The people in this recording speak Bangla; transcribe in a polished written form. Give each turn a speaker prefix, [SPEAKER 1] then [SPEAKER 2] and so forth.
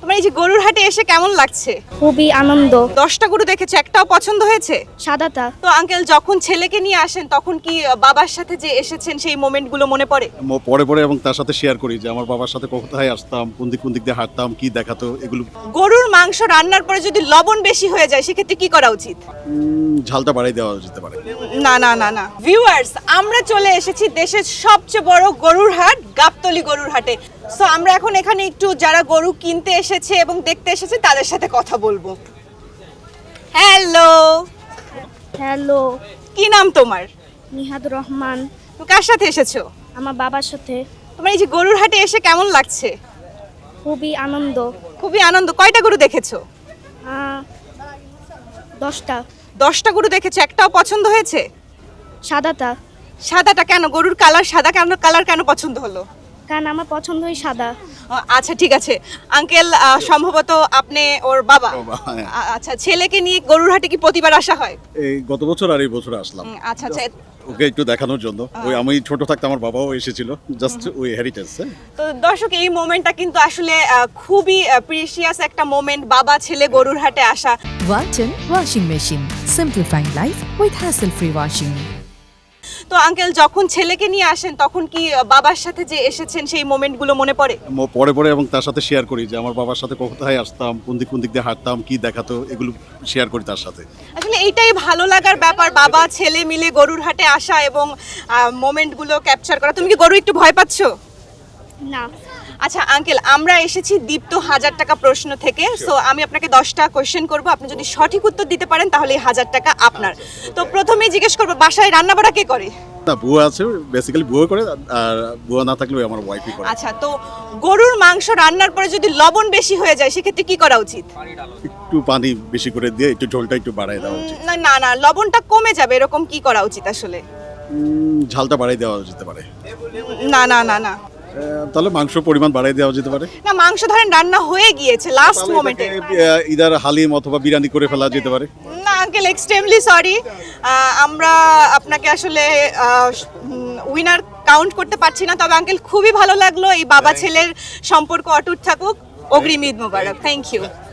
[SPEAKER 1] তোমার এই যে গরুর হাটে এসে কেমন লাগছে?
[SPEAKER 2] খুবই আনন্দ।
[SPEAKER 1] 10টা গরু দেখেছো, একটাও পছন্দ হয়েছে?
[SPEAKER 2] সাদাটা
[SPEAKER 1] তো আঙ্কেল যখন ছেলেকে নিয়ে আসেন তখন কি বাবার সাথে যে এসেছেন সেই মোমেন্টগুলো মনে পড়ে?
[SPEAKER 3] পরে পরে এবং তার সাথে শেয়ার করি যে আমার বাবার সাথে কোথায় আসতাম, কোন দিক দিয়ে হাঁটতাম, কি দেখাতো এগুলো।
[SPEAKER 1] গরুর মাংস রান্নার পরে যদি লবণ বেশি হয়ে যায় সেক্ষেত্রে কি করা উচিত?
[SPEAKER 3] ঝালটা বাড়াই দেওয়া যেতে পারে।
[SPEAKER 1] না না না না ভিউয়ার্স, আমরা চলে এসেছি দেশের সবচেয়ে বড় গরুর হাট গাবতলী গরুর হাটে। সো আমরা এখন এখানে একটু যারা গরু কিনতে এসেছে এবং দেখতে এসেছে তাদের সাথে কথা বলবো। হ্যালো,
[SPEAKER 2] হ্যালো,
[SPEAKER 1] কি নাম তোমার?
[SPEAKER 2] নিহাদুর রহমান।
[SPEAKER 1] তুমি কার সাথে এসেছো?
[SPEAKER 2] আমার বাবার সাথে।
[SPEAKER 1] তোমার এই যে গরুর হাটে এসে কেমন লাগছে?
[SPEAKER 2] খুবই আনন্দ।
[SPEAKER 1] খুবই আনন্দ। কয়টা গরু দেখেছো?
[SPEAKER 2] 10টা।
[SPEAKER 1] 10টা গরু দেখেছো, একটাও পছন্দ হয়েছে?
[SPEAKER 2] সাদাটা।
[SPEAKER 1] সাদাটা কেন? গরুর কালার সাদা, কেন কালার কেন পছন্দ হলো?
[SPEAKER 2] কারণ আমার পছন্দই সাদা।
[SPEAKER 1] আচ্ছা ঠিক আছে আঙ্কেল, সম্ভবত আপনি ওর বাবা।
[SPEAKER 3] বাবা, হ্যাঁ।
[SPEAKER 1] আচ্ছা, ছেলেকে নিয়ে গরুর হাটে কি প্রতিবার আসা হয়?
[SPEAKER 3] এই গত বছর আর এই বছর আসলাম
[SPEAKER 1] আচ্ছা আচ্ছা।
[SPEAKER 3] ওকে একটু দেখানোর জন্য। ওই আমি ছোট থাকতে আমার বাবাও এসেছিল, জাস্ট ওই হেরিটেজ।
[SPEAKER 1] তো দর্শক, এই মোমেন্টটা কিন্তু আসলে খুবই প্রিশিয়াস একটা মোমেন্ট, বাবা ছেলে গরুর হাটে আসা।
[SPEAKER 4] Walton Washing Machine. Simplifying life with hassle-free washing.
[SPEAKER 1] তো আঙ্কেল যখন ছেলেকে নিয়ে আসেন তখন কি বাবার সাথে যে এসেছেন সেই মোমেন্টগুলো মনে পড়ে?
[SPEAKER 3] পরে পরে এবং তার সাথে শেয়ার করি যে আমার বাবার সাথে কোথায় আসতাম, কোন দিক দিয়ে হাঁটতাম, কি দেখাতো এগুলো শেয়ার করি তার সাথে।
[SPEAKER 1] আসলে এইটাই ভালো লাগার ব্যাপার, বাবা ছেলে মিলে গরুর হাটে আসা এবং মোমেন্টগুলো ক্যাপচার করা। তুমি কি গরু একটু ভয় পাচ্ছো?
[SPEAKER 2] না।
[SPEAKER 1] আচ্ছা আঙ্কেল, আমরা এসেছি দীপ্ত 1000 টাকা প্রশ্ন থেকে। সো আমি আপনাকে 10টা কোয়েশ্চেন করব, আপনি যদি সঠিক উত্তর দিতে পারেন তাহলে এই 1000 টাকা আপনার। তো প্রথমেই জিজ্ঞেস করবো, বাসায় রান্না বাড়া কে করে?
[SPEAKER 3] না, বুয়া আছে, বেসিক্যালি বুয়া করে, আর বুয়া না থাকলেও আমার ওয়াইফই করে।
[SPEAKER 1] আচ্ছা, তো গরুর মাংস রান্নার পরে যদি লবণ বেশি হয়ে যায় সেক্ষেত্রে কি করা উচিত?
[SPEAKER 3] একটু পানি বেশি করে দিয়ে একটু ঝোলটা একটু বাড়াই দেওয়া উচিত।
[SPEAKER 1] না না না, লবণটা কমে যাবে, এরকম কি করা উচিত আসলে?
[SPEAKER 3] ঝালটা বাড়াই দেওয়া যেতে পারে।
[SPEAKER 1] না না না না
[SPEAKER 3] তাহলে মাংস পরিমাণ বাড়াই দেওয়া যেতে পারে।
[SPEAKER 1] না, মাংস ধরেন রান্না হয়ে গিয়েছে লাস্ট
[SPEAKER 3] তাহলে
[SPEAKER 1] মোমেন্টে।
[SPEAKER 3] এটাকে, ইদার হালিম অথবা বিরিয়ানি করে ফেলা যেতে পারে।
[SPEAKER 1] না আঙ্কেল, এক্সট্রিমলি সরি, আমরা আপনাকে আসলে উইনার কাউন্ট করতে পারছি না। তবে আঙ্কেল, খুবই ভালো লাগলো, এই বাবা ছেলের সম্পর্ক অটুট থাকুক। অগ্রিম ঈদ মোবারক। Thank you.